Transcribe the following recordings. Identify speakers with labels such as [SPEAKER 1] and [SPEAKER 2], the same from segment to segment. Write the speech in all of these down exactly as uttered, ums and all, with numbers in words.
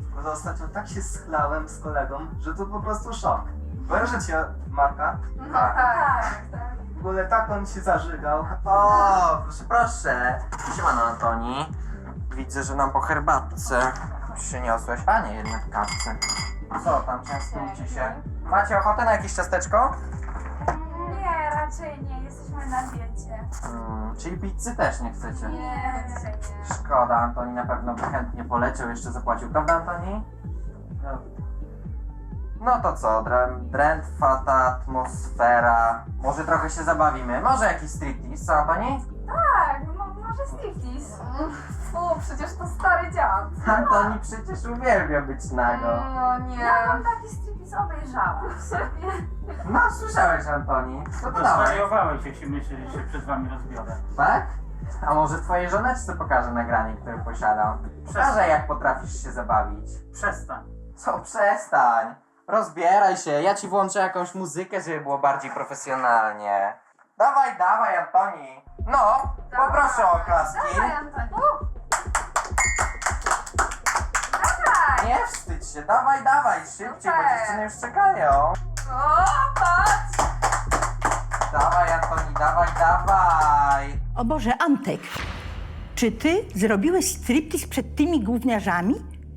[SPEAKER 1] Bo ostatnio tak się schlałem z kolegą, że to po prostu szok. Kojarzycie Marka?
[SPEAKER 2] No tak, tak, tak.
[SPEAKER 1] W ogóle tak on się zażygał.
[SPEAKER 3] O, proszę, proszę. Siemano, Antoni. Widzę, że nam po herbatce przyniosłeś. A nie, jednak kawce. Co tam, częstujcie się? Macie ochotę na jakieś ciasteczko?
[SPEAKER 2] Nie, raczej nie, jesteśmy na diecie.
[SPEAKER 3] Hmm, czyli pizzy też nie chcecie?
[SPEAKER 2] Nie, dzisiaj nie.
[SPEAKER 3] Szkoda, Antoni na pewno by chętnie poleciał, jeszcze zapłacił, prawda, Antoni? No, no to co, drę- drętwa ta atmosfera. Może trochę się zabawimy, może jakiś striptease, co, Antoni?
[SPEAKER 2] Tak, mo może striptease. Fu, przecież to stary dziad.
[SPEAKER 3] Antoni przecież uwielbia być nago.
[SPEAKER 2] No nie. Ja mam taki striptease obejrzałam sobie.
[SPEAKER 3] No, słyszałeś, Antoni. Co to dałeś?
[SPEAKER 4] Zwariowałeś, jak się myśli, że się przed wami rozbiorę.
[SPEAKER 3] Tak? A może twojej żoneczce pokażę nagranie, które posiadam? Pokażę, jak potrafisz się zabawić.
[SPEAKER 4] Przestań.
[SPEAKER 3] Co, przestań. Rozbieraj się, ja ci włączę jakąś muzykę, żeby było bardziej profesjonalnie. Dawaj, dawaj, Antoni. No, poproszę o oklaski.
[SPEAKER 2] Dawaj, Antoni. Dawaj.
[SPEAKER 3] Nie wstydź się, dawaj, dawaj, szybciej, bo
[SPEAKER 2] Super.
[SPEAKER 3] dziewczyny już czekają.
[SPEAKER 2] O, patrz.
[SPEAKER 3] Dawaj, Antoni, dawaj, dawaj.
[SPEAKER 5] O Boże, Antek, czy ty zrobiłeś striptease przed tymi gówniarzami?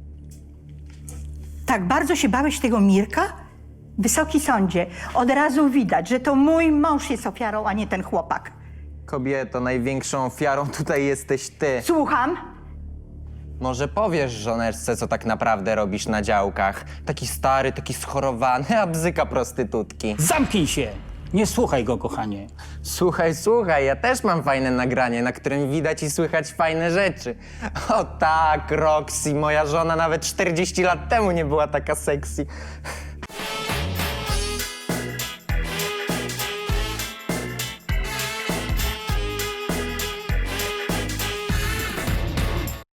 [SPEAKER 5] Tak bardzo się bałeś tego Mirka? Wysoki sądzie, od razu widać, że to mój mąż jest ofiarą, a nie ten chłopak.
[SPEAKER 6] Kobieto, największą ofiarą tutaj jesteś ty.
[SPEAKER 5] Słucham?
[SPEAKER 6] Może powiesz żoneczce, co tak naprawdę robisz na działkach? Taki stary, taki schorowany, a bzyka prostytutki.
[SPEAKER 4] Zamknij się! Nie słuchaj go, kochanie.
[SPEAKER 6] Słuchaj, słuchaj, ja też mam fajne nagranie, na którym widać i słychać fajne rzeczy. O tak, Roxy, moja żona nawet czterdzieści lat temu nie była taka sexy.